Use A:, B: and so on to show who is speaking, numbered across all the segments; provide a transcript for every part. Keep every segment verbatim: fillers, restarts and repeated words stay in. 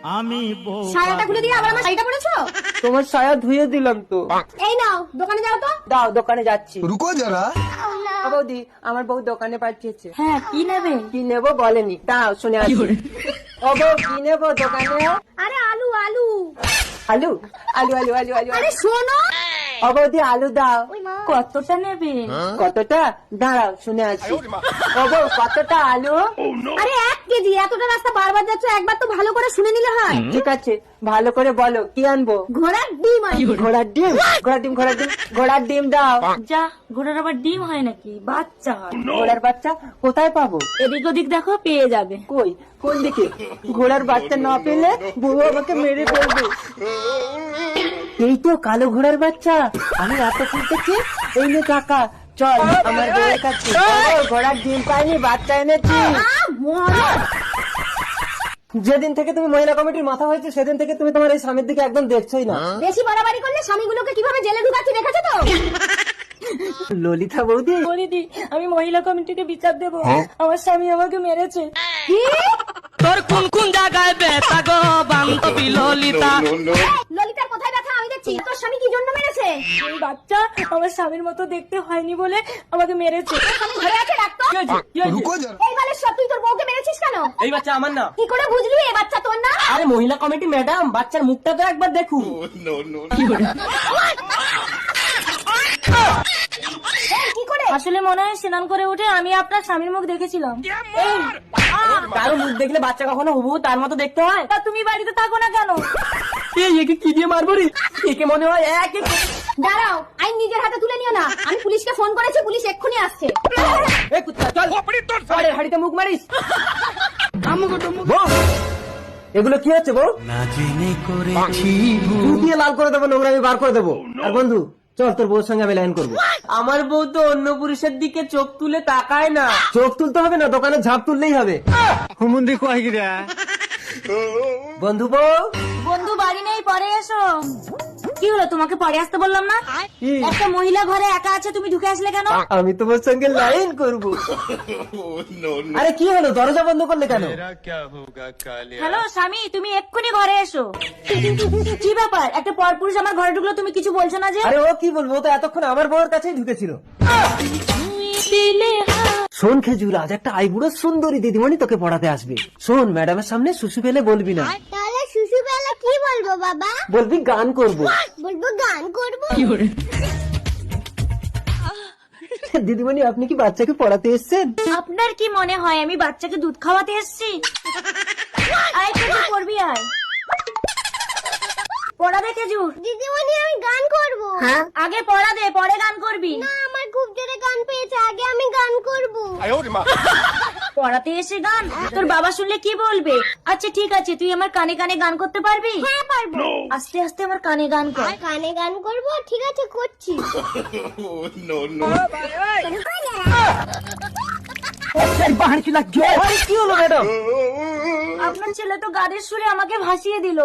A: আমি
B: সায়াটা খুলে দিয়ে আবার আমার শাড়িটা পরেছো?
C: তোমার সায়া ধুয়ে দিলাম তো।
B: এই নাও দোকানে যাও তো।
C: দাও, দোকানে যাচ্ছি।
D: रुको जरा।
C: ও বৌদি, আমার বউ দোকানে পাঠিয়েছে।
B: হ্যাঁ কি নেবে?
C: কি নেবো বলেনি, দাও শুনে আসি। ও বউ, কি নেবো দোকানে?
B: আরে আলু আলু।
C: আলু আলু আলু আলু আলু
B: আরে শোনো।
C: ও বৌদি, আলু দাও।
B: কতটা নেবে?
C: কতটা? দাঁড়াও শুনে আসি। ও বউ, কতটা আলু?
B: আরে এক কেজি। এতটা রাস্তা বারবার যাচ্ছ, একবার তো ভালো করে শুনে নিলে হয়।
C: ঠিক আছে, ভালো করে বলো কি আনবো।
B: ঘোড়ার ডিম আনবো।
C: ঘোড়ার ডিম? ঘোড়ার ডিম ঘোড়ার ডিম ঘোড়ার ডিম দাও।
B: যা, ঘোড়ার আবার ডিম হয় নাকি? বাচ্চা হয়।
C: ঘোড়ার বাচ্চা কোথায় পাবো?
B: এদিক ওদিক দেখো, পেয়ে যাবে।
C: কই, কোন দিকে? ঘোড়ার বাচ্চা না পেলে বউ আমাকে মেরে ফেলবে। এই তো কালো ঘোড়ার বাচ্চা। আমি এত খুঁজতেছি। এই নে টাকা, চল আমার বউয়ের কাছে। ও, ঘোড়ার ডিম পাইনি, বাচ্চা এনেছি।
B: আহ, মরদ।
C: যেদিন থেকে তুমি মহিলা কমিটির মাথা হয়েছে, সেদিন থেকে তুমি তোমার এই স্বামীর দিকে একদম দেখছোই না।
B: বেশি বাড়াবাড়ি করলে স্বামীগুলোকে কিভাবে জেলে ঢুকাচ্ছি দেখেছো তো?
C: ললিতা বৌদি,
B: দিদি, আমি মহিলা কমিটিকে বিচার দেবো। আমার স্বামী আমাকে মেরেছে। কি?
A: তোর কোন কোন জায়গায় ব্যথা গো বান্ধবী ললিতা?
B: ললিতার কোথায় ব্যথা আমি দেখছি। তোর স্বামী কি জন্য মেরেছে? এই বাচ্চা আমার স্বামীর মতো দেখতে হয়নি বলে আমাকে মেরেছে। তোর স্বামী ঘরে আছে, ডাক্তার।
D: रुको जरा।
B: এই বালের সব তুই তোর বউকে মেরেছিস কেন?
C: এই বাচ্চা আমার না।
B: কি করে বুঝলি এই বাচ্চা তোর না?
C: আরে মহিলা কমিটি ম্যাডাম, বাচ্চার মুখটা তো একবার দেখুন।
B: এই, কি করে? আসলে মনে হয় স্নান করে উঠে আমি আপনার স্বামীর মুখ দেখেছিলাম। এই,
C: কারো মুখ দেখলে বাচ্চা কখনো হুবহু তার মতো দেখতে হয়?
B: তা তুমি বাড়িতে থাকো না কেন?
C: এই, একে কি দিয়ে মারবো রে? একে মনে হয় এক এক।
B: দাঁড়াও, আইন নিজের হাতে তুলে নিও না। আমি পুলিশকে ফোন করেছি, পুলিশ এক্ষুনি আসছে।
C: এই কুত্তা, চল। পরের হাড়িতে মুখ মারিস। বউ, এগুলো কি হচ্ছে বউ?
A: না জেনে করেছি
C: চুল দিয়ে লাল করে দেবো, নোংরা আমি বার করে দেবো। আর বন্ধু, চল তোর বউর সঙ্গে আমি লাইন করবো। আমার বউ তো অন্য পুরুষের দিকে চোখ তুলে তাকায় না। চোখ তুলতে হবে না, দোকানে ঝাঁপ তুললেই হবে।
A: হুমুন্দি কয় গিরা
C: বন্ধু বউ,
B: বন্ধু বাড়ি নেই, পরে এসো। কি হলো, তোমাকে পরে আসতে বললাম না?
C: কি?
B: একটা মহিলা ঘরে একা আছে, তুমি ঢুকে আসলে কেন?
C: আমি তোমার সঙ্গে লাইন করবো। আরে কি হলো, দরজা বন্ধ করলে কেন?
B: হ্যালো স্বামী, তুমি এক্ষুনি ঘরে এসো। কি ব্যাপার, একটা পরপুরুষ আমার ঘরে ঢুকলো, তুমি কিছু বলছো না যে?
C: আরে ও কি বলবো, ও তো এতক্ষণ আমার বউয়ের কাছেই ঢুকেছিল। শোন খেজুর, আজ একটা আইবুড়ো সুন্দরী দিদিমণি তোকে পড়াতে আসবে। শোন, ম্যাডামের সামনে শুশু ফেলে বলবি না।
E: তাহলে শিশু বেলা কি বলবো বাবা?
C: বলবি গান করবো।
E: বলবো গান করবো।
C: দিদিমণি, আপনি কি বাচ্চাকে পড়াতে এসেছেন?
B: আপনার কি মনে হয় আমি বাচ্চাকে দুধ খাওয়াতে এসেছি? আয় খেজুর, করবি আয়। পড়া দে খেজুর।
E: দিদিমণি আমি গান করবো।
B: আগে পড়া দে, পরে গান করবি।
E: না, আমার খুব জোরে গান পেয়েছে, আগে আমি গান করবো।
B: পড়াতে এসে গান? তোর বাবা শুনলে কি বলবে? আচ্ছা ঠিক আছে, তুই আমার কানে কানে গান করতে পারবি?
E: হ্যাঁ পারবো।
B: আস্তে আস্তে আমার কানে গান কর।
E: কানে গান করবো, ঠিক আছে করছি।
C: আরে কি হলো ম্যাডাম?
B: আপনার ছেলে তো গানের সুরে আমাকে ভাসিয়ে দিল।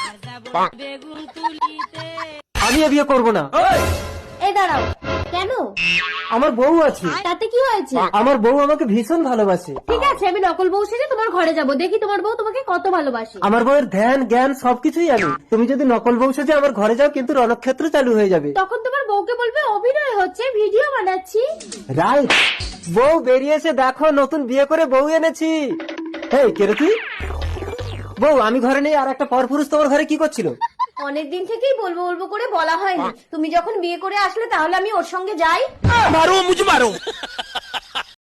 C: আমি এ বিয়ে করবো না।
B: এই দাঁড়াও।
E: কেন?
C: আমার বউ আছে।
E: তাতে কি হয়েছে?
C: আমার বউ আমাকে ভীষণ ভালোবাসে।
E: ঠিক আছে, আমি নকল বউ সেজে তোমার ঘরে যাবো, দেখি তোমার বউ তোমাকে কত ভালোবাসে।
C: আমার বউয়ের ধ্যান জ্ঞান সবকিছুই আমি। তুমি যদি নকল বউ সেজে আমার ঘরে যাও, কিন্তু রণক্ষেত্র চালু হয়ে যাবে।
E: তখন তোমার বউকে বলবে অভিনয় হচ্ছে, ভিডিও বানাচ্ছি।
C: রাইট। বউ বেরিয়েছে, দেখো নতুন বিয়ে করে বউ এনেছি। এই কে রে তুই? বউ, আমি ঘরে নেই, আর একটা পরপুরুষ তোমার ঘরে কি করছিল?
E: অনেকদিন থেকেই বলবো বলবো করে বলা হয়নি। তুমি যখন বিয়ে করে আসলে, তাহলে আমি ওর সঙ্গে যাই।
A: মারো মুঝে মারো